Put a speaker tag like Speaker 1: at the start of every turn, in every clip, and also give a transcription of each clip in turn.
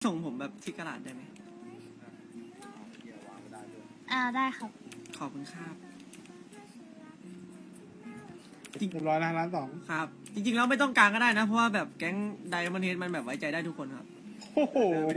Speaker 1: ส่งผมแบบที่กระดาษได้ไหม
Speaker 2: ได้ครับ
Speaker 1: ขอบคุณครับ
Speaker 3: เรียบร้อยแล้วล้านสอง
Speaker 1: ครับ จริงๆแล้วไม่ต้องกลางก็ได้นะ เพราะว่าแบบแก๊งไดมอนด์เฮดมันแบบไว้ใจได้ทุกคนครับ
Speaker 3: โอ้โห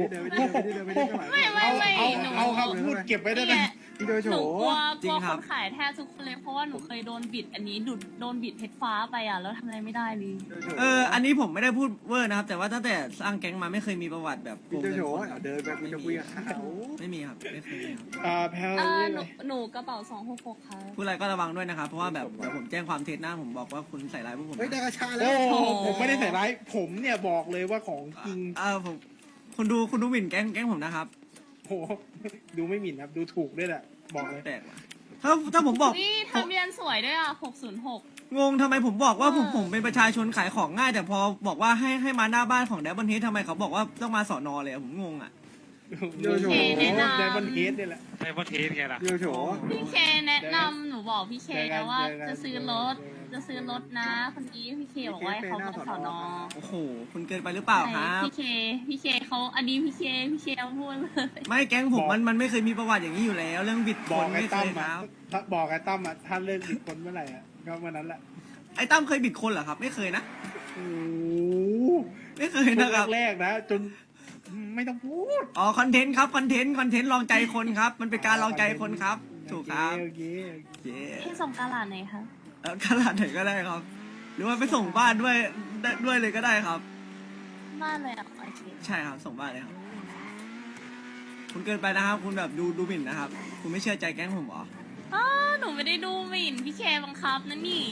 Speaker 2: ไม่หนู
Speaker 3: เอาครับพูดเก็บไว้ได้ไหม
Speaker 2: พี่โดยโฉหนูกลัว
Speaker 1: จริง
Speaker 2: ค
Speaker 1: ครับ
Speaker 2: นขายแทบทุกคนเลยเพราะว่าหนูเคยโดนบิดอันนี้โดนบิดเพชรฟ้าไปอ่ะแล้วทำอะไรไม่ได้เลย
Speaker 1: อันนี้ผมไม่ได้พูดเวอร์นะครับ แต่ว่าตั้งแต่สร้างแก๊งมาไม่เคยมีประวัติแบบโก
Speaker 4: พี่
Speaker 1: ง
Speaker 4: โจ
Speaker 1: เงิน
Speaker 4: โฉ
Speaker 1: คน
Speaker 4: เดินไปคุณจะคุยกับเขา
Speaker 1: ไม่มีครับ ไม่เคยมีครับ
Speaker 3: แพ้
Speaker 2: หนูกระเป๋า266ครับ
Speaker 1: พูดอะไรก็ระวังด้วยนะครับ เพราะว่าแบบเดี๋ยวผมแจ้งความเท็จนะผมบอกว่าคุณใส่ร้ายพวกผม
Speaker 4: เฮ้ยได้
Speaker 1: นะ
Speaker 4: กระชาแล้
Speaker 3: โอ้
Speaker 4: ว
Speaker 3: ผมไม่ได้ใส่ร้ายผมเนี่ยบอกเลยว่าของจริง
Speaker 1: ผมคุณดูหมิ่นแก๊งผมนะครับ
Speaker 3: โอ้ดูไม่หมิ่นครับดูถูกด้วยแหละบอกเลย
Speaker 1: แปลกว่ะถ้าผมบอก
Speaker 2: นี่ทะเบียนสวยด้วยอ่ะ606
Speaker 1: งงทำไมผมบอกว่าผม
Speaker 2: เออ
Speaker 1: ผมเป็นประชาชนขายของง่าย แต่พอบอกว่าให้มาหน้าบ้านของแดบเบิลเฮดทำไมเขาบอกว่าต้องมาสอนอเลยอะผมงงอ่ะ
Speaker 3: ไดมอนเฮดเนี่ยแหละ
Speaker 5: ไดมอนด์เฮดไงล่ะ
Speaker 4: พี่โจโฉ
Speaker 2: พี่เคแนะนำหนูบอกพี่เคนะว่าจะซื้อรถนะคนนี้พี่เคบอกว่าให้เขามาสอนอ
Speaker 1: โอ้โหคุณเกินไปหรือเปล่าครับ
Speaker 2: พี่เคเขาอันนี้พี่เคพูดเลย
Speaker 1: ไม่แก๊งผมมันไม่เคยมีประวัติอย่างนี้อยู่แล้ว เรื่องบิดค
Speaker 3: บอก
Speaker 1: น
Speaker 3: ไอ้
Speaker 1: ไม่เค
Speaker 3: ตั้ม
Speaker 1: ยค
Speaker 3: อ่ะ
Speaker 1: รับ
Speaker 3: บอกไอ้ตั้มอ่ะท่านเลิกบิดคนเมื่อไหร่อ่ะก็เมื่อนั้นแหละ
Speaker 1: ไอ้ตั้มเคยบิดคนเหรอครับ ไม่เคยนะ
Speaker 3: โอ้
Speaker 1: ไม่เคยนะครับ
Speaker 3: แรกๆนะจนไม่ต้องพูด
Speaker 1: อ๋อคอนเทนต์ครับคอนเทนต์ลองใจคนครับ มันเป็นการลองใจคนครับ ถูกครับ
Speaker 3: โอเค
Speaker 1: เย้
Speaker 2: พี่ส่งกาลาดไหนคะ
Speaker 1: ขนาดไหนก็ได้ครับ หรือว่าไปส่งบ้านด้วยเลยก็ได้ครับ
Speaker 2: บ้านเลยอ่ะโอเค
Speaker 1: ใช่ครับส่งบ้านเลยครับ คุณเกินไปนะครับ คุณแบบดูหมิ่นนะครับ คุณไม่เชื่อใจแก๊งผมเหรอ
Speaker 2: หนูไม่ได้ดูหมิ่นพี่เคบังคับนะนี่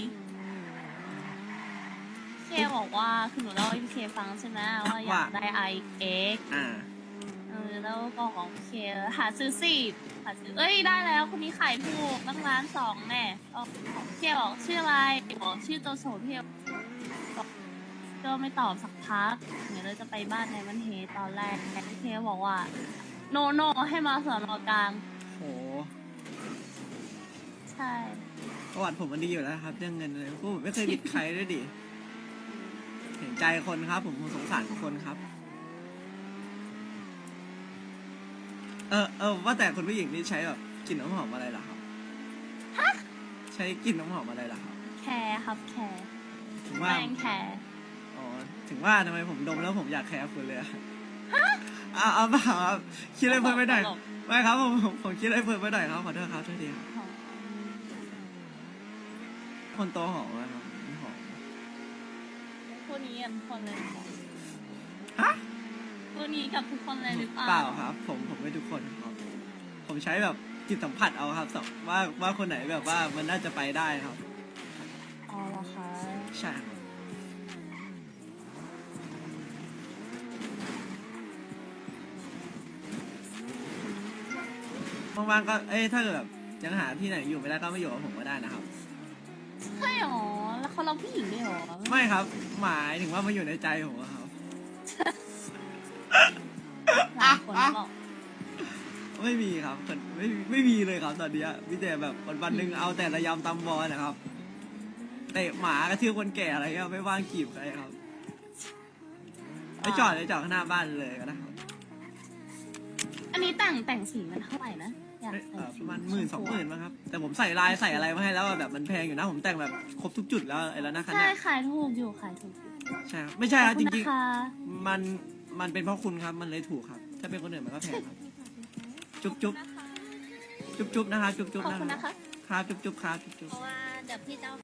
Speaker 2: พี่เคบอกว่าคือหนูเล่าให้พี่เคฟังใช่ไหมว่าอยากได้ IX
Speaker 1: อ่า
Speaker 2: แล้วก็ของพี่เคหาซื้อสิหาซื้อได้แล้วคนนี้ขายถูกตั้งร้าน2แน่ของพี่เคบอกชื่ออะไรบอกชื่อโตโฉพี่บอกก็ไม่ตอบสักพักเดี๋ยวเราจะไปบ้านในวันเฮตอนแรกแต่พี่เคบอกว่าโนให้มาสอนอกลาง
Speaker 1: โห
Speaker 2: ใช่
Speaker 1: ประวัติผมมันดีอยู่แล้วครับเรื่องเงินเลยพวกผมไม่เคยบิดใครด้วยดิ เห็นใจคนครับ ผมสงสารคนครับ ว่าแต่คนผู้หญิงนี่ใช้แบบกลิ่นน้ำหอมอะไรล่ะครับ ใช้กลิ่นน้ำหอมอะไรล่ะครับ
Speaker 2: แคร์ครับแคร์
Speaker 1: ถึงว่า
Speaker 2: แป้งแคร์
Speaker 1: อ๋อ ถึงว่าทำไมผมดมแล้วผมอยากแคร์คุณเลยอะเอาเปล่าครับคิดอะไรเพิ่มไปหน่อยไม่ครับผมคิดอะไรเพิ่มไปหน่อยครับขอโทษครับโทษทีครับคนโตหอมไหมครับไม่หอม
Speaker 2: คู่นี้กันทุกคนเลย
Speaker 1: ฮะ
Speaker 2: คู่นี้กับทุกคนเลยหรือเปล่า
Speaker 1: เปล่าครับ ผมไม่ทุกคนครับ ผมใช้แบบจิตสัมผัสเอาครับว่าคนไหนแบบว่ามันน่าจะไปได้ครับ
Speaker 2: อ๋อเหรอคะ
Speaker 1: ใช่ครับว่างๆก็ถ้าเกิดแบบยังหาที่ไหนอยู่ไม่ได้ก็มาอยู่กับผมก็ได้นะครับ
Speaker 2: ใช่หรอแล้วเขาเราผู้หญิงด้วยหรอ
Speaker 1: ไม่ครับ หมายถึงว่ามาอยู่ในใจผมอะครับ
Speaker 2: หลายคนบอก
Speaker 1: ไม่มีครับไม่มีเลยครับตอนเนี้ยมีแต่แบบวันๆหนึ่งเอาแต่ระยำตำบอลนะครับเตะหมากระทืบคนแก่อะไรเงี้ยไม่ว่างจีบใครครับไปจอดข้างหน้าบ้านเลยก็ได้ครับ
Speaker 2: อันนี้แต่งสีมันเท่าไหร่นะอยากแต่งสี
Speaker 1: ประมาณ10,000-20,000มั้งครับ แต่ผมใส่ลายใส่อะไรมาให้แล้วอะแบบมันแพงอยู่นะผมแต่งแบบครบทุกจุดแล้วไอ้แล้วนะคัน
Speaker 2: ใช่
Speaker 1: เนี้ย
Speaker 2: ขายถูกอยู่ขายถูกอยู่
Speaker 1: ใช่ครับไม่ใช่ครับ
Speaker 2: ขอ
Speaker 1: จ
Speaker 2: ณ
Speaker 1: ริง
Speaker 2: นะคะ
Speaker 1: ๆมันเป็นเพราะคุณครับมันเลยถูกครับ ถ้าเป็นคนอื่นมันก็แพงครับ จุ๊บนะครับจุ๊บ
Speaker 2: ขอบ
Speaker 1: นะ
Speaker 2: คุณ
Speaker 1: ค
Speaker 2: นะ
Speaker 1: รับ
Speaker 2: คะ
Speaker 1: ครับจุ๊บครับจุ๊บ
Speaker 2: เพราะว่าเดี๋ยวพี่เจ้า